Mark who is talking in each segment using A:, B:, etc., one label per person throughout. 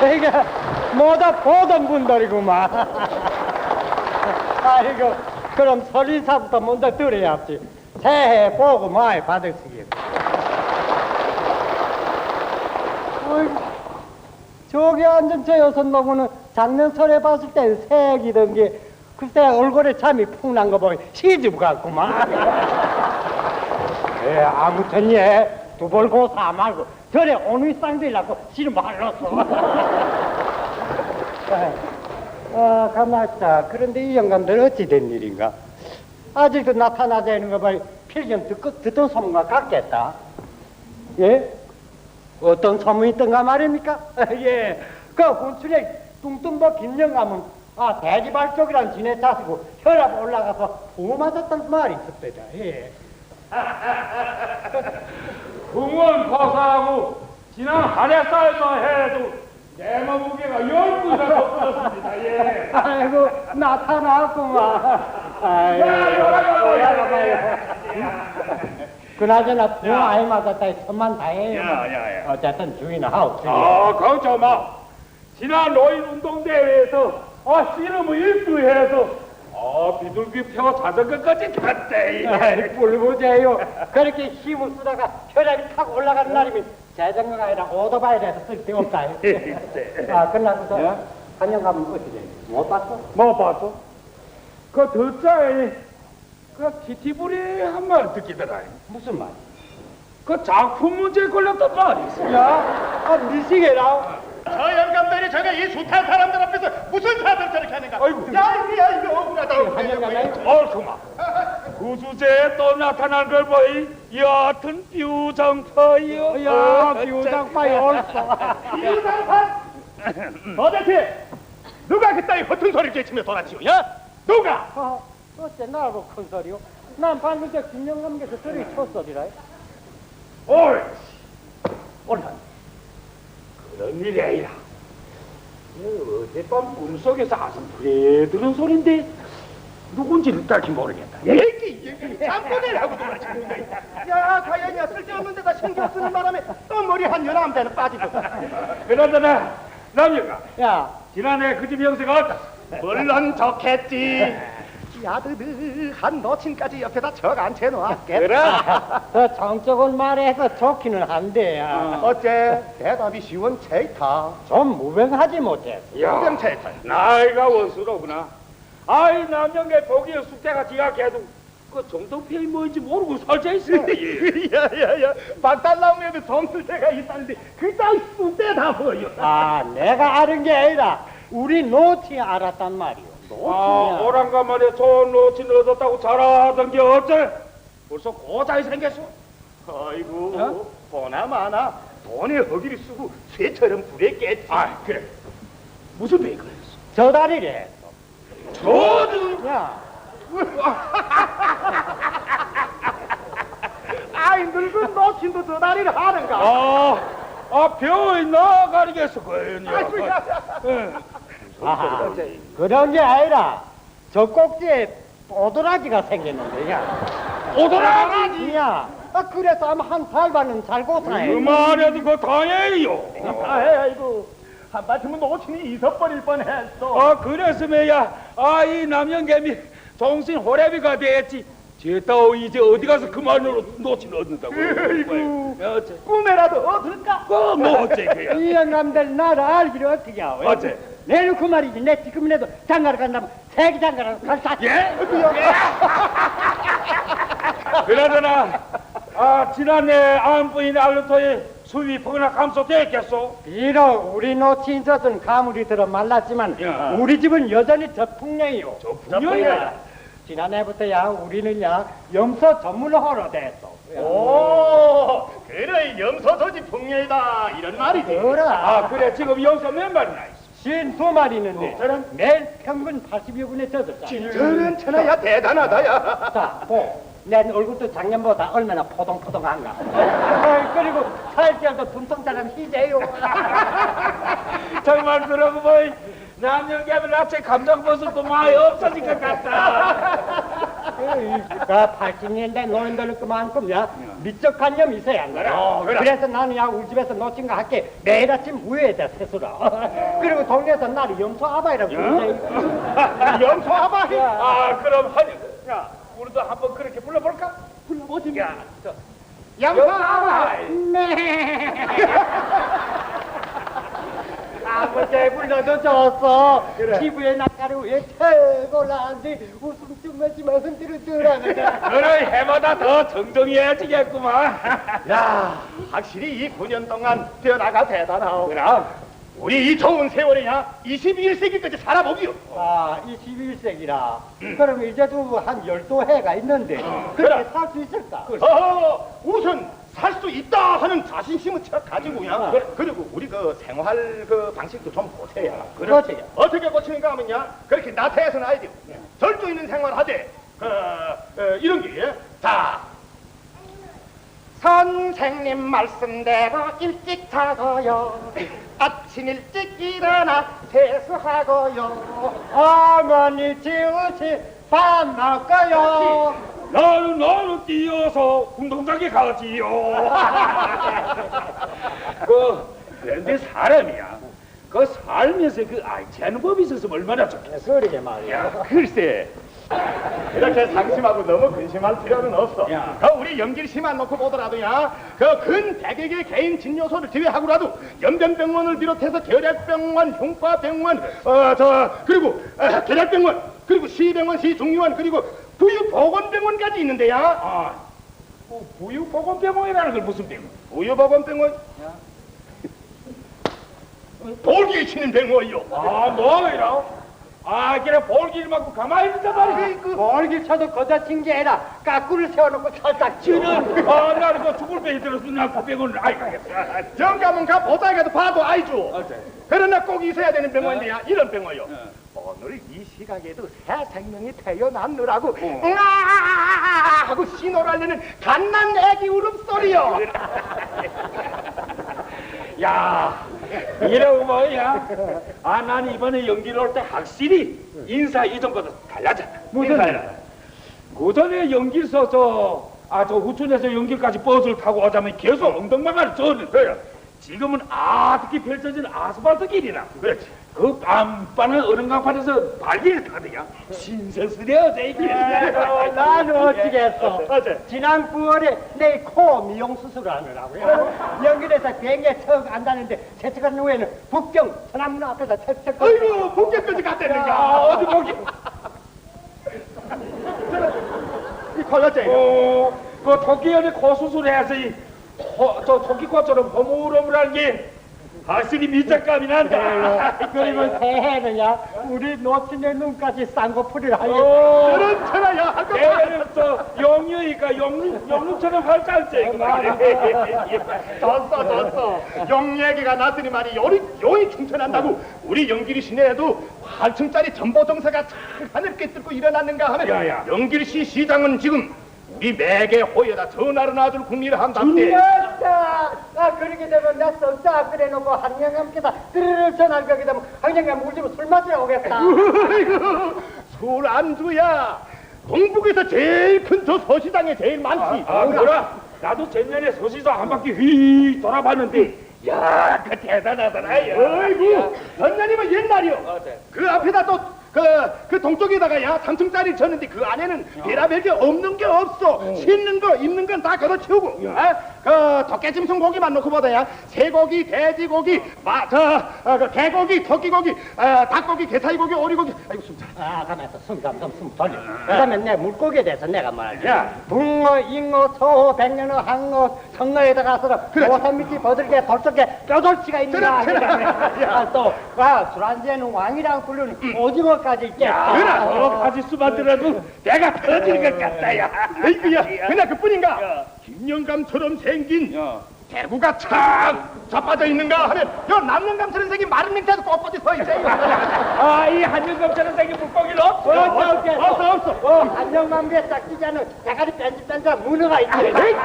A: 이게 뭐다 보던 분들이구만. 아이고, 그럼 설인사부터 먼저 드려야지. 새해 복 많이 받으시길. 저기 앉은 저 여섯 놈은 작년 설에 봤을 때 새기던 게 글쎄 얼굴에 잠이 푹 난 거 보니 시집 같구만. 예, 아무튼 예, 두벌 고사 말고 저래 오늘 쌍들이라고 지름 말랐어. 가만있다. 그런데 이 영감들 어찌 된 일인가? 아직도 나타나지 않는 거 봐. 필경 듣던 소문과 같겠다. 예? 어떤 소문이 있던가 말입니까? 예. 그 군출에 뚱뚱버 김영감은 대지발족이란 지네 자시고 혈압 올라가서 부 맞았단 말이 있었대다. 예.
B: 궁원 거사하고 지난 한해살도 해도 내 몸무게가 10분이나 높아졌습니다. 예.
A: 아이고 나타났구만. 아이고 그나저나 부 아이 맞았다 천만 다행이에요.
B: 야.
A: 어쨌든 주인은 하고
B: 걱정 마. 지난 노인 운동대회에서 씨름을 1등해서 비둘기 펴 자전거까지 탔대.
A: 뿔부재요. 그렇게 힘을 쓰다가 혈압이 탁 올라가는 날이면 자전거가 아니라 오토바이라서 쓸데없다. 끝나고서 한영 가면 어떻게 돼? 못 봤어?
B: 못 봤어? 그 듣자에 그 키티부리 한 말 듣기더라.
A: 무슨 말?
B: 그 작품 문제에 걸렸단 말이 있어.
A: 야, 미치게라.
C: 저 영감들이 저게 이 숱한 사람들 앞에서 무슨 사들 저렇게 하는가?
B: 아이고.
C: 야, 이거 억울하다.
B: 얼소마. 그 주제에 또 나타난 걸 보이 여하튼 뷰정파요.
A: 야, 비우장파이 옳소.
C: 비우장파? 도대체 누가 그따위 허튼 소리를 제치며 돌아치요? 야? 누가?
A: 어째 나하고 큰 소리요? 난 방금 저 김영감께서 소리 쳤소리라.
B: 옳지. 옳다. 그런 일이 아니라 어젯밤 꿈속에서 아슴푸레 들은 소린데 누군지는 딱히 모르겠다.
C: 얘기 잠꼬대라고 돌아치는 거 있다. 야, 과연이야 쓸데없는 데다 신경 쓰는 바람에 또 머리 한 연암대는 빠지고.
B: 그러더나 남녀가
A: 야,
B: 지난해 그 집 형세가 어떠?
C: 물론 좋겠지. 야드드한 노친까지 옆에다 적 앉혀놓았겠다.
A: 더 정적은 말해서 좋기는 한데,
C: 어째 대답이 쉬운 체이타.
A: 좀 무병하지 못해.
C: 무병 체이타.
B: 나이가 원수로구나. 아이 남녀의 보기에 숙제가 지각해도 그 정통편이 뭔지 모르고 살자 있어.
C: 야야야, 박달나무에도 정쓸 때가 있다는데 그딴 쑥대 다 보여.
A: 내가 아는 게 아니라 우리 노치 알았단 말이오. 노치야.
B: 오랑간만에 좋은 노친 얻었다고 자랑하던 게 어째? 벌써 고자이 생겼어.
C: 아이고, 보나마나 돈에 허기를 쓰고 쇠처럼 불에 깼지.
B: 그래. 무슨 배가 했어?
A: 저 다리래.
B: 저도.
A: 야,
C: 아이 늙은 노친도 저 다리를 하는가?
B: 병이 나가리겠어, 그거요.
A: 그런 게 아니라 저 꼭지에 오도라지가 생겼는데, 야.
B: 오도라지?
A: 야, 그래서 아마 한 달반은 살고 사네.
B: 그만해도 그거 당연히요.
C: 아이고, 한바탕은 노친이 잊어버릴 뻔했어.
B: 그랬으면야, 이 남영개미 정신 호래비가 됐지. 제따오 이제 어디 가서 그만으로 노친 얻는다고.
C: 아이고,
B: 어째?
C: 꿈에라도 얻을까?
B: 뭐 어째 그야?
A: 이 영감들 나를 알기를 어떻게 하오?
B: 어째?
A: 내일 그 말이지. 내 지금이라도 장가를 간다면 세기 장가를 갈사.
B: 예? 그러더나 지난해 안부인 알루토의 수입이 폭락 감소됐겠소?
A: 비록 우리 노친 젖은 가물이 들어 말랐지만
B: 야.
A: 우리 집은 여전히 저풍량이요.
B: 저풍량이야?
A: 지난해부터야 우리는 염소 전문호로 됐어.
C: 오, 그래 염소저지 풍년이다 이런 말이지.
A: 그래.
B: 그래 지금 여기서 몇 마리나 있어?
A: 52마리 있는데 매일 평균 80여 분에 젖었잖아.
C: 저런 천하야 대단하다 야.
A: 자, 내 얼굴도 작년보다 얼마나 포동포동한가. 그리고 살결도 둠통처럼 희재요.
B: 정말 그러고 보니 남녀개미 나체 감정버섯도 많이 없어진 것 같다.
A: 그 80년대 노인들은 그만큼야 미적관념이 있어야 한다.
C: 그래.
A: 그래서 나는 야 우리 집에서 놓친 거 할게 매일 아침 우유에다 세수라. 그리고 동네에서 나를 염소 아바이라고 부르지.
C: 염소 아바이.
B: 아, 그럼 하니, 야, 우리도 한번 그렇게 불러볼까?
C: 불러보지.
B: 야, 저,
C: 염소 아바이.
A: 네. 아버지 불러도 좋았어. 피부에 낯가리 위에 최고라는데 웃음 좀 마지막 흔들어 들어가자.
B: 그래, 해마다 더 정정해야지겠구만.
C: 야, 확실히 이 9년 동안 변화가 대단하오.
B: 그럼,
C: 우리 이 좋은 세월에야 21세기까지 살아보기요.
A: 아, 21세기라. 그럼 이제도 한 12해가 있는데 그렇게 살 수 있을까?
C: 우선 살 수 있다 하는 자신심을 가지고야. 그리고 우리 그 생활 그 방식도 좀 고쳐야.
A: 그렇지.
C: 어떻게 고치는가 하면야, 그렇게 나태해서는 아니죠. 절도 있는 생활하되 이런 게. 자, 선생님 말씀대로 일찍 자고요. 아침 일찍 일어나 세수하고요.
A: 어머니 지우시 밥 먹어요.
B: 나는 뛰어서 운동장에 가지요. 그런데 사람이야. 그 살면서 그 알지하는 법이 있었으면 얼마나 좋겠어.
A: 그러게 말이야.
C: 글쎄, 이렇게 상심하고 너무 근심할 필요는 없어.
B: 야.
C: 그 우리 연길 씨만 놓고 보더라도야, 그 근 100여개 개인 진료소를 제외하고라도 연변병원을 비롯해서 결핵병원, 흉과병원, 그리고 결핵병원, 그리고 시병원, 시중의원, 그리고 부유보건병원까지 있는데야.
B: 아, 부유보건병원이라는 걸 무슨 병원?
C: 부유보건병원? 돌기 치는 병원이요.
B: 아, 뭐이라? 아, 그래 볼길 맞고 가만히 있단 말이야.
A: 멀기 쳐도 거다 친 게 아니라 까꾸를 세워놓고 살짝 치는.
B: 아, 나는 그 죽을 병이 들었어. 나 그 병원을 아이 가겠어.
C: 정가면 가 보다가도 봐도 알죠.
B: 어째?
C: 그러나 꼭 있어야 되는 병원인데야, 이런 병원이요. 오늘 이 시각에도 새 생명이 태어났느라고 하고 신호를 알리는 갓난 애기 울음소리요.
B: 야, 이러고 뭐야? 아, 난 이번에 연기를 올 때 확실히 인사 이전보다 달라졌다.
A: 무슨 일?
B: 그 전에 연길 서서 저 후촌에서 연길까지 버스를 타고 오자면 계속 엉덩방아를 줬는데 지금은 아득히 펼쳐진 아스팔트 길이라.
C: 그렇지.
B: 그 빤빤한 어른강판에서 발길을 타더냐. 신세스레어져 이게.
A: 나는 어찌겠어.
C: 어째?
A: 지난 9월에 내 코 미용 수술을 하느라고요. 연결해서 비행기에 턱 앉았는데 세척한 후에는 북경 천안문 앞에서 채찍.
C: 아이고, 북경까지 갔다는가.
B: 어디 보기.
C: 이 걸렸지?
B: 그 토끼연의 코 수술해서 저 토끼코처럼 허물허물한 게 확실히 밑작감이 난다.
A: 그러면 새해는야 우리 노친의 눈까지 쌍꺼풀을 하니.
C: 그런 천하야.
B: 내는 저 용유니까 용루처럼 활짝지.
C: 졌어. 용 얘기가 났으니 말이 용이 충천한다고. 우리 영길이 시내에도 8층짜리 전보정사가 참 하늘께 뚫고 일어났는가 하면,
B: 야야.
C: 영길시 시장은 지금 우리 매개 호에다 전화를 놔줄 국리를 한답대.
A: 맞다. 그렇게 되면 나 썩자 그래놓고 한영감께서 드르르 전화를 거기 되면 한영감 우리 집에 술 마시러 오겠다.
C: 술 안주야. 동북에서 제일 큰 저 서시장에 제일 많지.
B: 그래? 나도 작년에 서시장 한 바퀴 휘 돌아봤는데, 야, 그 대단하더라.
C: 아이고, 전년이면 옛날이요. 그 앞에다 또 그 동쪽에다가 야 3층짜리 졌는데 그 안에는 별의별 게 없는 게 없어. 씻는 거 입는 건 다 걷어치우고, 그 덕개짐승 고기만 놓고 보다야 쇠고기, 돼지고기, 그 개고기, 토끼고기, 닭고기, 게사이고기, 오리고기. 아이고 숨차.
A: 가만있어. 숨 돌려. 그다음에 내 물고기에 대해서 내가 말할게. 붕어, 잉어, 소호, 백년어, 항어, 성어에다 가서 오삼미끼, 버들개, 돌적개, 뼈돌치가 있는가. 술 안주에는 왕이라고 부르는 오징어까지 있겠다.
C: 그래.
B: 여러 가지 수만 들어도 내가 터질 것 같다, 야.
C: 아이고야, 그냥 그뿐인가? 김영감처럼 생긴 대구가 참 자빠져 있는가 하면 요 남영감처럼 생긴 마른 맹태도 꼿꼿이 서 있지.
B: 이 한영감처럼 생긴 물고기는 없어.
C: 없어.
A: 한정만비에 짝지지 않은 대가리 뺀질뺀질한 문어가 있지.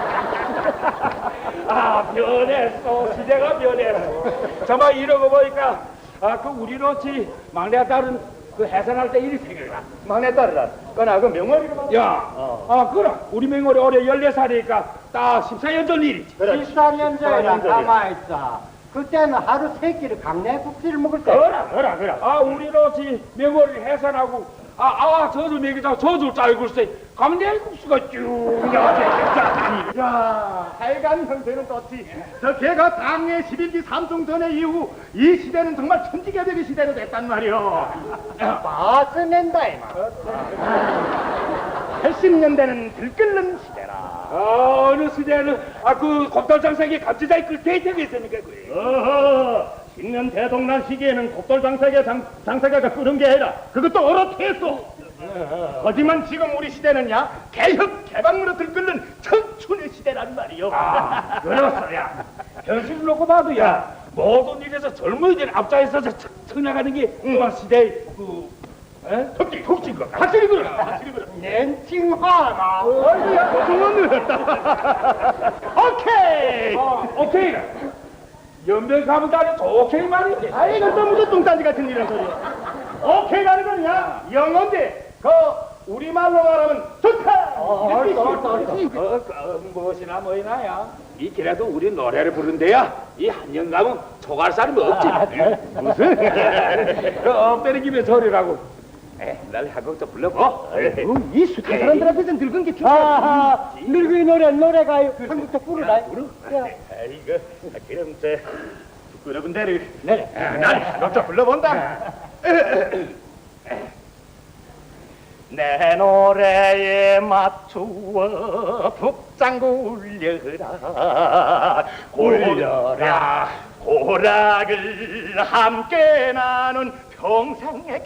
B: 변했어. 시대가 변했어. 정말 이러고 보니까 그 우리 로치 막내 딸은 그 해산할 때 일이 생각나.
C: 막내 딸이라. 그나 그 명월이로 말.
B: 야, 그래. 우리 맹월이 올해 14살이니까 딱 14년 전 일이지.
C: 그래.
A: 14년 전이라
C: 14년 전이야.
A: 가만있어. 그때는 하루 3끼를 강내국수를 먹을 때.
C: 그래.
B: 우리로지 맹월이 해산하고, 젖을 먹이자고 젖을 짜고 글쎄, 감내국수가 쭉 나왔지.
C: 야, 하여간 형태는 떴지. 저 걔가 당의 11기 삼중전의 이후 이 시대는 정말 천지개벽의 시대로 됐단 말이오.
A: 맛을 낸다 이마.
C: 80년대는 들끓는 시대라.
B: 어느 시대는, 그 곱돌장사기 감지자의 그 데이터가 있으니까 그래.
C: 어허, 10년 대동란 시기에는 곱돌 장사가가 끄는 게 아니라 그것도 어떻했어. 하지만 지금 우리 시대는야 개혁 개방으로 들끓는 청춘의 시대란 말이요.
B: 그렇소, 야. 현실을 놓고 봐도, 야, 모든 일에서 젊은이들 앞자에서 쳐나가는 게, 그만 시대의, 혁신 것.
C: 확실히 그래.
A: nen칭하나.
C: 아이고야, 고생은 늘었다. 오케이.
B: 오케이. 연변 가면 다니 오케이 말이지.
C: 아이고 또 무슨 똥단지 같은 이런 소리. 오케이라는 거냐? 영어인데 그 우리말로 말하면 좋다.
B: 무엇이나 뭐이나야. 이 길에도 우리 노래를 부른대야. 이 한영감은 초갈살이 없지. 무슨? 그 빼는 김에 저리라고. 날 한곡 좀 불러보.
C: 이 숫자 사람들한테서 늙은 게 좋다.
A: 아, 늙은이 노래가요. 한국도 부르라.
C: 아이고, 그럼 저 부끄러운 데를 날 한곡 좀 불러본다. 내 노래에 맞추어 북장구 울려라 고락을 함께 나눈 평생의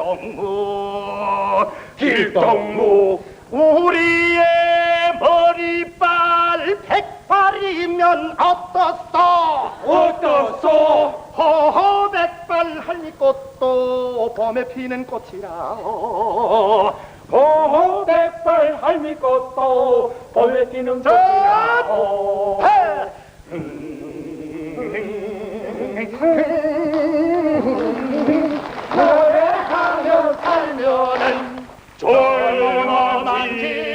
C: 길동무 우리의 머리빨 100발이면 어떻소 허허 100발 할미꽃도 봄에 피는 꽃이라
B: 호호 백발 할미꽃도 봄에 피는 꽃이라.
C: 노래하며 살면은 젊어만 길